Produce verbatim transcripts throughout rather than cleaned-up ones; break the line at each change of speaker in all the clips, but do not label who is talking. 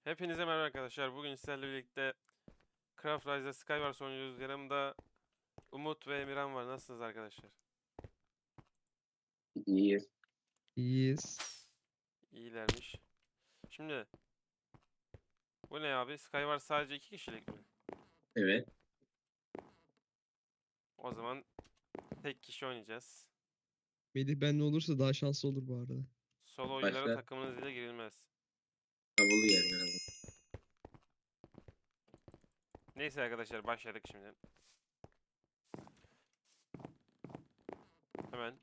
Hepinize merhaba arkadaşlar. Bugün sizlerle birlikte Craft Rise'da Skywars oynuyoruz. Yanımda Umut ve Emirhan var. Nasılsınız arkadaşlar?
İyiyiz.
İyiyiz.
İyilermiş. Şimdi bu ne abi? Skywars sadece iki kişilik mi?
Evet.
O zaman tek kişi oynayacağız.
Melih benle olursa daha şanslı olur bu arada.
Solo oyunlara
Başla.
takımınız ile girilmez.
Davulu yer merhaba.
Neyse arkadaşlar başladık şimdi. Hemen.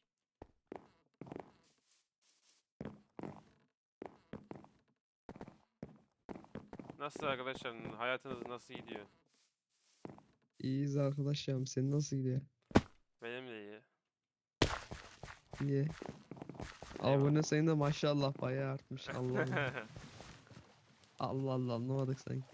Nasıl arkadaşlar? Hayatınız nasıl gidiyor?
İyiyiz arkadaşlarım. Senin nasıl gidiyor?
Benim de iyi.
İyi. Abone sayın da maşallah bayağı artmış. Allah Allah. Allah Allah anlamadık sanki.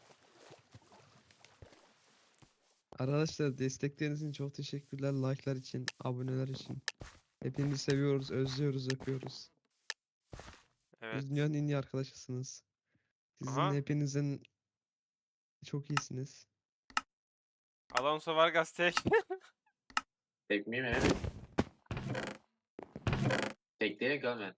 Arkadaşlar destekleriniz için çok teşekkürler. Like'lar için, aboneler için. Hepinizi seviyoruz, özlüyoruz, öpüyoruz.
Evet.
Siz dünyanın en iyi arkadaşısınız. Sizin
Aha.
hepinizin çok iyisiniz.
Alonso Vargas tek.
Tek miyim evet. Tek değil görmen.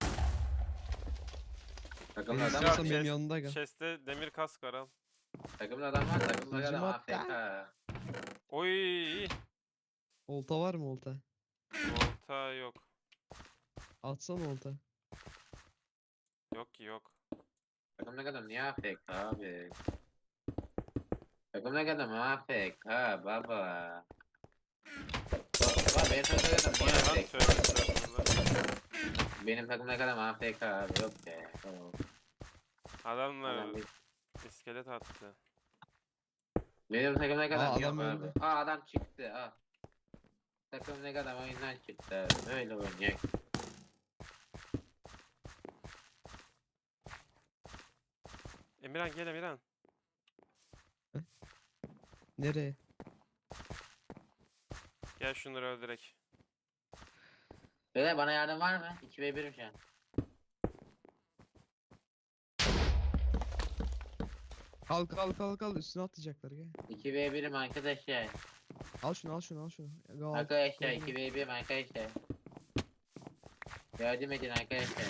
Takımda
Neyse,
adam
istiyorsan
var.
benim
chest-
yanımda gel.
Chest'te demir kask var al.
Takımda adam var. Takımda
Hücum
adam
hatta.
A F K.
Oy.
Olta var mı olta?
Olta yok.
Atsana olta.
Yok ki yok.
Takımda adam niye A F K abi? Takımda adam A F K baba. Baba benim takımda adam
O
niye
ne lan?
A F K?
Tövbe estağfurullah.
Benim takımda adam A F K abi yok be. Tamam.
Adamlar
Adam değil.
iskelet attı.
Benim takımda adam
Aa,
yok
adam
abi.
öldü.
Aa adam çıktı. Aa. Takımda adam oyundan çıktı abi. Öyle oynayacak.
Emirhan gel Emirhan.
Nereye?
Gel şunları öldürek.
Beyler bana yardım var mı? iki ve birim şu an.
Kalk kalk kalk kalk üstüne atlayacaklar gel.
iki ve birim arkadaşlar.
Al şunu al şunu al şunu. Gel, al,
Arkadaşlar
gel,
iki
gel.
ve birim arkadaşlar. Yardım edin arkadaşlar.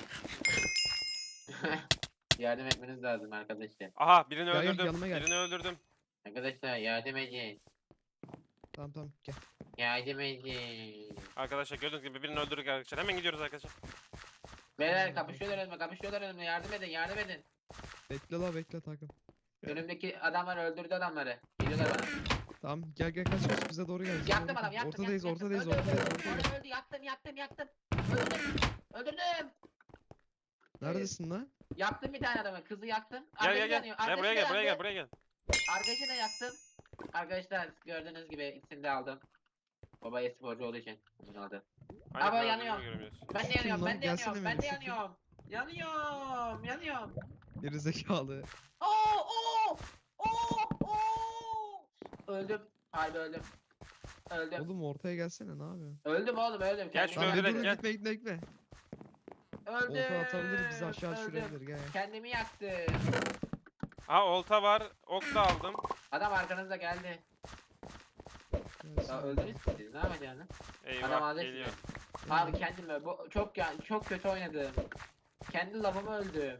Yardım etmeniz lazım arkadaşlar.
Aha birini
Gel, gel,
öldürdüm.
yanıma gel.
Birini öldürdüm.
Arkadaşlar yardım edin.
Tamam tamam gel.
Yardım edin.
Arkadaşlar gördüğünüz gibi birini öldürdük arkadaşlar. Hemen gidiyoruz arkadaşlar.
Beyler kapışıyorlar önüme kapışıyorlar önüme yardım edin yardım edin.
Bekle la bekle takım.
Önümdeki adamlar öldürdü adamları. Geliyorlar bana.
Tamam gel gel kaç kaç bize doğru gel. bize
Yaktım
doğru
adam
gel.
yaktım.
Ortadayız
yaktım,
ortadayız
yaktım. Öldü,
ortadayız
öldü,
ortadayız.
öldü, öldü yaktım yaktım yaktım. Öldürdüm. Öldürdüm.
Neredesin lan?
Yaktım bir tane adamı kızı yaktım.
Gel
Arkadaşı
gel gel.
yanıyor,
Gel
arkadaşı
buraya
da
gel buraya gel
yandı.
buraya gel.
Arkadaşı da yaktım. Arkadaşlar gördüğünüz gibi ikisini de aldım. Baba esporcu olduğu için bunu aldı.
Aynı
Ama
kanal
yanıyor.
bildiğimi göremiyorsun.
Ben de
Kim
yanıyorum,
lan?
ben de
Gelsene
yanıyorum, ben de
Melih, kim?
yanıyorum. Yanıyorum, yanıyorum.
Geri zekalı.
Oo, oo, oo, oo. Öldüm, harbi öldüm. Öldüm.
Oğlum ortaya gelsene ne yapıyorsun?
Öldüm oğlum, öldüm.
Gel
Kendimi
şunu
Lan bir
öldürelim,
dur
gel.
gitme gitme gitme.
Öldüm.
Olta atabilir bizi aşağı
öldüm.
düşürebilir gel.
Kendimi yaktım.
Aha olta var. Ok da aldım.
Adam arkanızda geldi.
Gelsin.
Ya öldünüz ki siz, ne yapacaksınız? Adam
Eyvah
aldı
geliyor.
sizi. Abi kendimi, bu çok ya çok kötü oynadım. Kendi lafımı öldüm.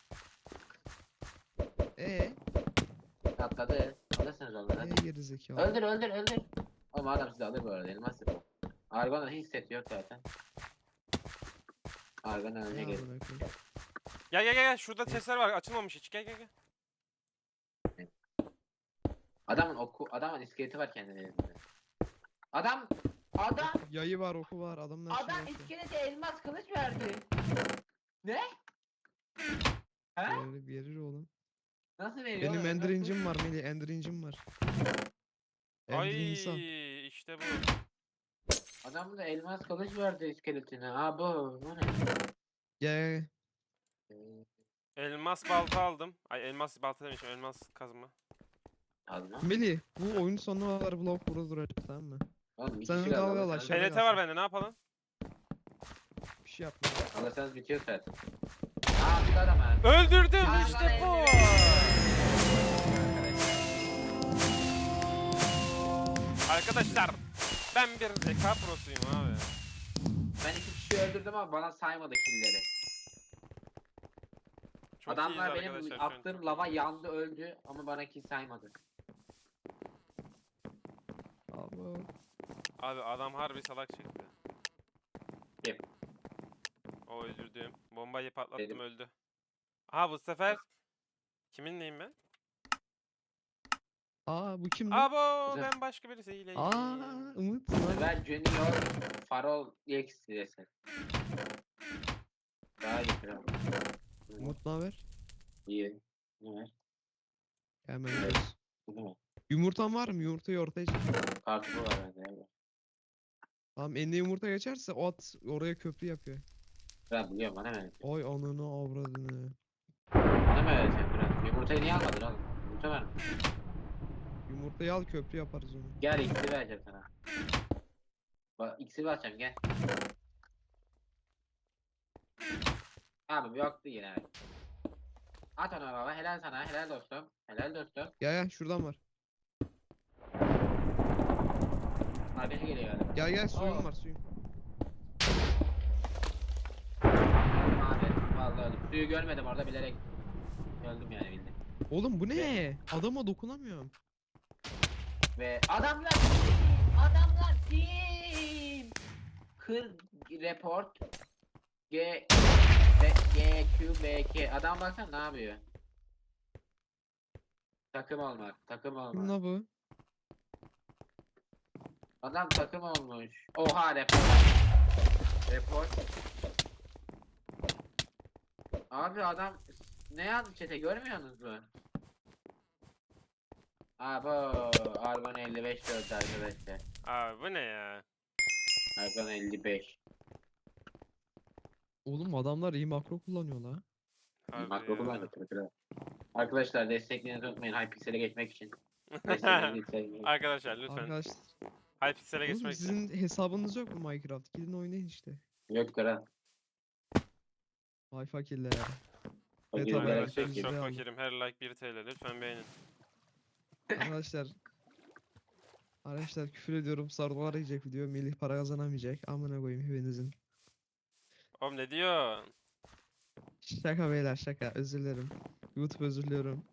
Eee?
Atladı. Alırsınız onları.
Eee
hadi.
geri zekalı.
Öldür öldür öldür. Oğlum adam sizi alır bu arada, elmas yapıyor. Argon'un hiç seti yok zaten. Argon
Ne
önüne gel.
amına koyayım?
Gel gel gel gel. Şurada chestler var. Açılmamış hiç. Gel gel gel.
Adamın oku, adamın iskeleti var kendine elinde. Adam, adam,
Yayı var oku var adamın her şeyi
adam
var.
iskelete elmas kılıç verdi. Ne? He?
Verir, verir oğlum.
Nasıl veriyor?
Benim
oğlum?
ender
Nasıl?
incim var Melih ender incim var. Ender
Ay
insan.
işte bu.
Adam da elmas kılıç verdi iskeletine. Aa bu, bu ne?
Gel gel.
Ee,
Elmas balta aldım. Ay elmas balta demişim. Elmas kazma.
Alma.
Melih bu oyun sonuna kadar blok burada duracak tamam mı?
Oğlum iki
Sen
kişi
onu
kaldı,
dalga al
alırsanız-
aşağı.
P N T var bende. Ne yapalım?
Bir şey yapma.
Alırsanız bitiyor zaten. Aa bir adam ha.
Öldürdüm
Aa,
işte
bana
bu.
elli
arkadaşlar. Ben bir E K prosuyum abi.
Ben iki kişi öldürdüm ama bana saymadı killleri.
Çok
Adamlar
iyiyiz
benim
arkadaşlar, şu an
attığım
çok
lava
iyiyiz.
yandı öldü ama bana kill saymadı.
Abo.
Abi adam harbi salak çıktı.
Kim?
O öldürdüğüm. Bombayı patlattım
Benim.
öldü. Aha bu sefer kiminleyim ben?
Aa bu kimdi?
Abo
Güzel.
ben başka birisiyleyim.
Aa Umut lan.
Ben Junior Farol X diyesin. Daha iyi kral.
Umut ne haber?
İyi. Ne var?
Hemen gidiyoruz.
Bu ne?
Yumurtan var mı? Yumurtayı ortaya çık.
Kartopu var bende. Evet.
Tamam eline yumurta geçerse o at oraya köprü yapıyor.
Kral biliyorum bana ver.
Oy ananı avradını.
Bana mı vereceksin kral? Yumurtayı niye almadın oğlum? Yumurta var mı?
Yumurtayı al köprü yaparız onu.
Gel X'i vereceğim sana. Bak X'i vereceğim gel. Abi yoktu yine. At ona baba helal sana helal dostum. Helal dostum.
Gel gel şuradan var.
Arkadaşı geliyor galiba.
Gel gel suyum
Oo.
var suyum.
Abi vallahi öldüm. Suyu görmedim orada bilerek öldüm yani bildim.
Oğlum bu ne? Adama dokunamıyorum.
Ve adamlar team! Adamlar team! Kır report G B G Q B K adam baksana ne yapıyor? Takım olmak, takım
Kim
olmak.
la bu?
Adam takım olmuş. Oha report. Report. Abi adam ne yazdı chat'e görmüyorsunuz mu? Aa bu Argon elli beş dördü arkadaşlar.
Abi bu ne ya?
Argon elli beş.
Oğlum adamlar iyi makro kullanıyor la.
Harbi
Makro
ya.
kullandı tabii kral. Arkadaşlar desteklerinizi unutmayın Hypixel'e geçmek için. Desteklerinizi isteyin.
Arkadaşlar lütfen.
Arkadaşlar.
Hypixel'e
Oğlum
geçmek için.
sizin hesabınız yok mu Minecraft? Gidin oynayın işte.
Yok kral.
Vay fakirler.
Fakir
tabii,
gerek
Arkadaşlar
yok
Bize
ki.
çok
alın.
fakirim. Her like bir T L. Lütfen beğenin.
Arkadaşlar. Arkadaşlar küfür ediyorum. Sardolar yiyecek video. Melih para kazanamayacak. Amına koyayım hepinizin.
Oğlum ne diyorsun?
Şaka beyler şaka. Özür dilerim. YouTube özür diliyorum.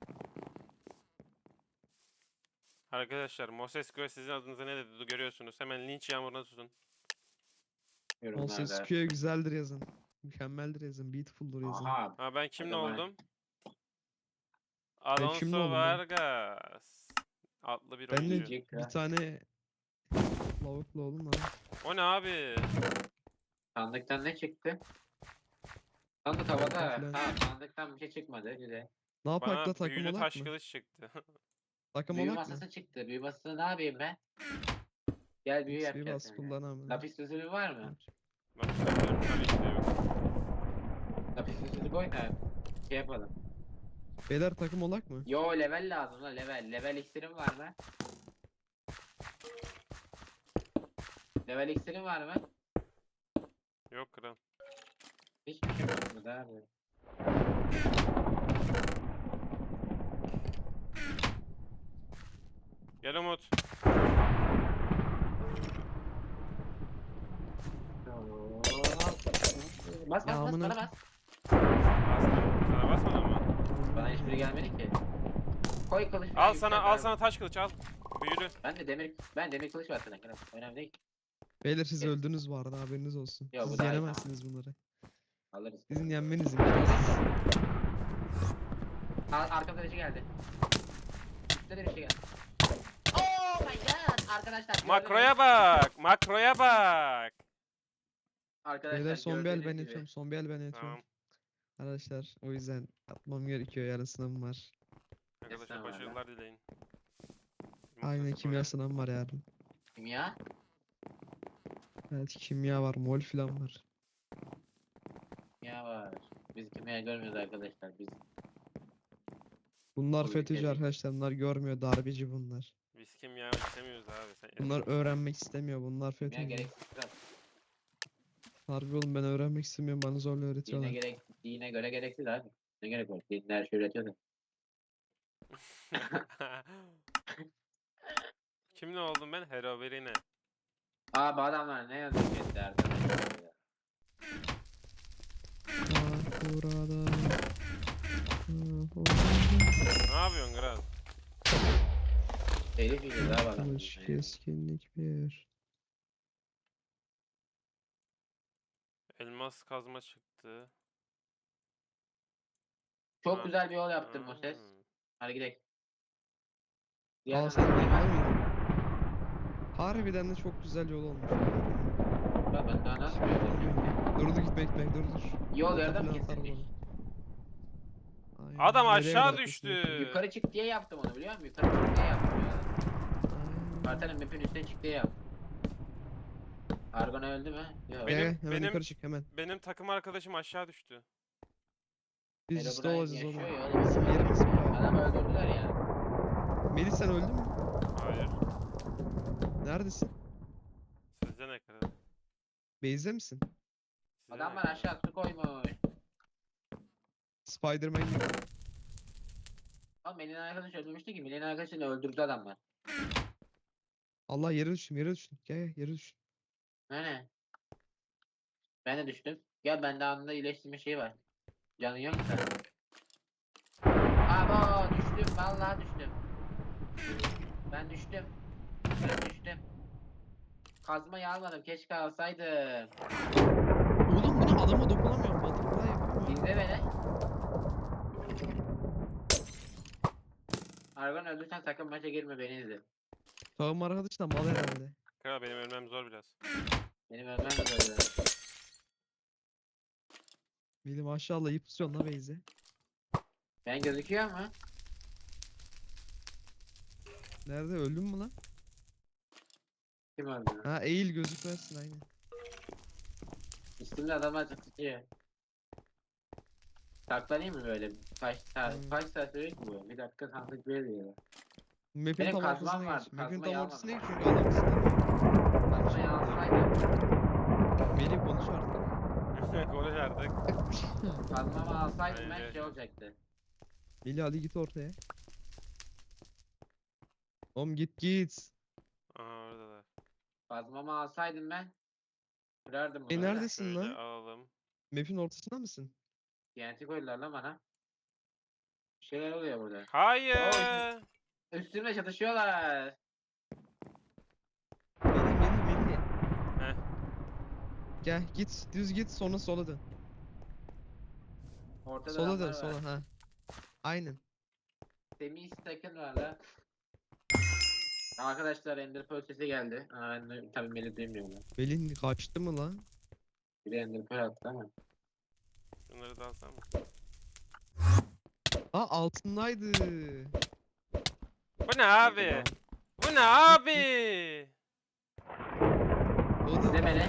Arkadaşlar Mosescu sizin adınıza ne dedi görüyorsunuz. Hemen linç yağmuruna tutun.
Monses
Yorumlarda.
Q'ya güzeldir yazın. Mükemmeldir yazın. Beautiful'dur yazın.
Aha.
Ha ben kimle
Acaba-
oldum?
kimle
Alonso
oldum ben?
Vargas. Adlı bir
Ben de
oyuncu.
Diyecek
bir
ya.
tane lavuklu oğlum lan.
O ne abi?
Sandıktan ne çıktı? Sandık havada.
falan.
Ha sandıktan bir şey çıkmadı. Güzel.
Ne yapak
Bana
da takım
büyülü
olak
taş
mı?
kılıç çıktı.
Takım
Büyü
olak mı?
masası çıktı. Büyü masasını ne yapayım ben? Gel büyü
X P
yapacağız.
bas
seninle.
kullanamam.
Lapis lazuli var mı?
Bak bakıyorum, tabii ki de yok.
Lapis lazuli koy da şey yapalım.
Beyler takım olak mı?
Yo level lazım la level. Level iksirim var mı? Level iksirim var mı?
Yok kral.
Hiçbir şey yok burada abi.
Gel Umut.
Bas bas
Ya
bas
amına
bana bas.
Bastım. Sana basmadın mı?
Bana hiçbiri gelmedi ki. Koy kılıç.
Al sana al sana taş kılıç al. Büyülü.
Ben de demir ben demir kılıç var sana. Önemli değil.
Beyler siz
Evet.
öldünüz bu arada haberiniz olsun.
Yo, bu
Siz
daha iyi,
yenemezsiniz bunları.
Alırız.
Sizin yenmeniz imkansız.
Ar arkadaşı geldi. Üstte de bir şey geldi. Oh my god! Arkadaşlar
Makroya bak. Makroya bak.
Arkadaşlar
Beyler son bir el ben
gördüğünüz gibi.
yatıyorum. Son bir el ben yatıyorum.
Tamam.
Arkadaşlar o yüzden atmam gerekiyor. Yarın sınavım var.
Arkadaşlar
Estağfurullah.
başarılar dileyin.
Aynen
Mosescu
kimya
ya.
sınavım var yarın.
Kimya?
Evet kimya var. Mol falan var.
Kimya var. Biz kimya görmüyoruz arkadaşlar. Biz
Bunlar
O
FETÖ'cü
ülkede-
arkadaşlar. Bunlar görmüyor. Darbeci bunlar.
Biz kimya istemiyoruz abi. Sen
Bunlar öğrenmek istemiyor. Bunlar
kimya
FETÖ'cü.
gereksiz kral.
Harbi oğlum ben öğrenmek istemiyorum. Bana zorla
Dine
öğretiyorlar.
gerek dine göre gereksiz abi. Ne gerek var? Dinler her şey üretiyor da.
Kimle oldum ben? Herobrine.
Aa bu adamlar ne yazıyor chatte arkadaşlar ya.
Ah burada. Ah orada.
Ne yapıyorsun Kral?
Telif yiyeceğiz abi adamlar.
Kılıç keskinlik bir.
Elmas kazma çıktı.
Çok
Ha.
güzel bir yol yaptım o ses.
Hmm.
Hadi gidelim.
Aa
Diğer
sen
taraftan
bilmiyor
gelmez.
muydun? Harbiden de çok güzel yol olmuş.
Ya ben daha nasıl göreceğim?
Dur dur git bekle dur dur.
Yol
Ota
yarıda mı
falan atar
kesilmiş?
bana. Aynen.
Adam
Nereye
aşağı
kadar
düştü.
kesilmiş?
Yukarı çık diye yaptım onu biliyor musun? Yukarı çık diye yaptım ya.
Aynen.
Kartanın map'in üstüne çık diye yaptım. Argon öldü mü? Yok.
Gel
Benim-
gel hemen
benim-
yukarı çık hemen.
Benim takım arkadaşım aşağı düştü.
Biz işte
Herobrine
olacağız
yaşıyor
oğlum.
ya oğlum.
Bizim yerimiz mi?
Adamı öldürdüler ya.
Melih sen öldün mü?
Hayır.
Neredesin?
Sizde ne Kral?
Base'de misin?
Sizde ne
Adamlar
Kral?
aşağı su koymuş.
Spider-Man gibi.
Ama Melih'in arkadaşı öldürmüştü ki Melih'in arkadaşını öldürdü adamlar.
Allah yere düştüm yere düştüm. Gel gel yere düştüm.
Ne ne? Ben de düştüm. Gel bende anında iyileştirme şeyi var. Canın yok mu sen? Abo düştüm vallahi düştüm. Ben düştüm. Ben düştüm. Kazmayı almadım keşke alsaydım.
Oğlum bunu adama dokunamıyorum. Butterfly yapamıyorum.
İzle beni. Argon öldürsen sakın maça girme beni izle.
Sağım arkadaş da mal herhalde.
Kral benim ölmem zor biraz.
Benim ölmem de böyle.
Melih maşallah iyi pusuyorsun la base'e.
Ben gözüküyor mu?
Nerede öldün mü lan?
Kim öldü?
Ha eğil gözükmezsin aynen.
Üstümde adamlar tutuyor. Saklanayım mı böyle? Kaç saat,
Hmm.
kaç saat sürecek mi bu? Bir dakika sandık veriyor.
Map'in
Benim
tam
kazmam
ortasına
vardı,
geç. Map'in
kazmayı
tam ortasına geç
almadım.
çünkü adam istemiyor.
Kazmayı alsaydım.
Melih konuş artık.
Konuş artık.
Kazmamı alsaydım ben
Aynen.
şey olacaktı.
Melih hadi git ortaya. Oğlum git git.
Aha oradalar.
Kazmamı alsaydım ben. Kırardım
E
bunu.
neredesin
Şöyle
lan?
alalım.
Map'in ortasında mısın?
T N T koydular lan bana. Bir şeyler oluyor burada.
Hayır.
Üstümle çatışıyorlar.
Melih Melih Melih.
Heh.
Gel git düz git sonra sola dön.
Ortada
Sola
adamlar
dön
var.
sola ha. Aynen.
Semih Stak'ın var lan. Arkadaşlar Ender Pearl sesi geldi. Aa, ben de tabii Melih duymuyorum. lan.
Melih kaçtı mı lan?
Biri Ender Pearl attı ama.
Şunları da alsam mı?
Aa altındaydı.
Bu ne abi? Bu ne abi?
Oğlum
İzle beni.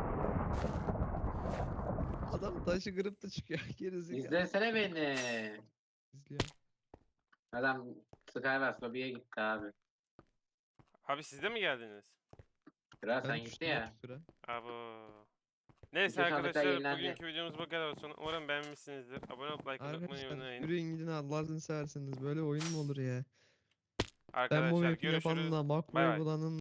adam taşı kırıp da çıkıyor. Gerizekalı.
İzlesene beni.
İzliyor.
Adam Skywars lobiye gitti abi.
Abi siz de mi geldiniz?
Kral
Ben
sen gitti
düştüm
ya.
otuz lira.
Abo. Neyse
Bütün sandıklar
arkadaşlar
yenilendi.
bugünkü videomuz bu kadar olsun. Umarım beğenmişsinizdir. Abone olup like atmayı
Arkadaşlar
unutmayın.
yürüyün gidin Allah'ını seversiniz. Böyle oyun mu olur ya? Ben bu
Arkadaşlar
map'i yapanın
görüşürüz.
da
Bay
makroyu
bay.
bulanın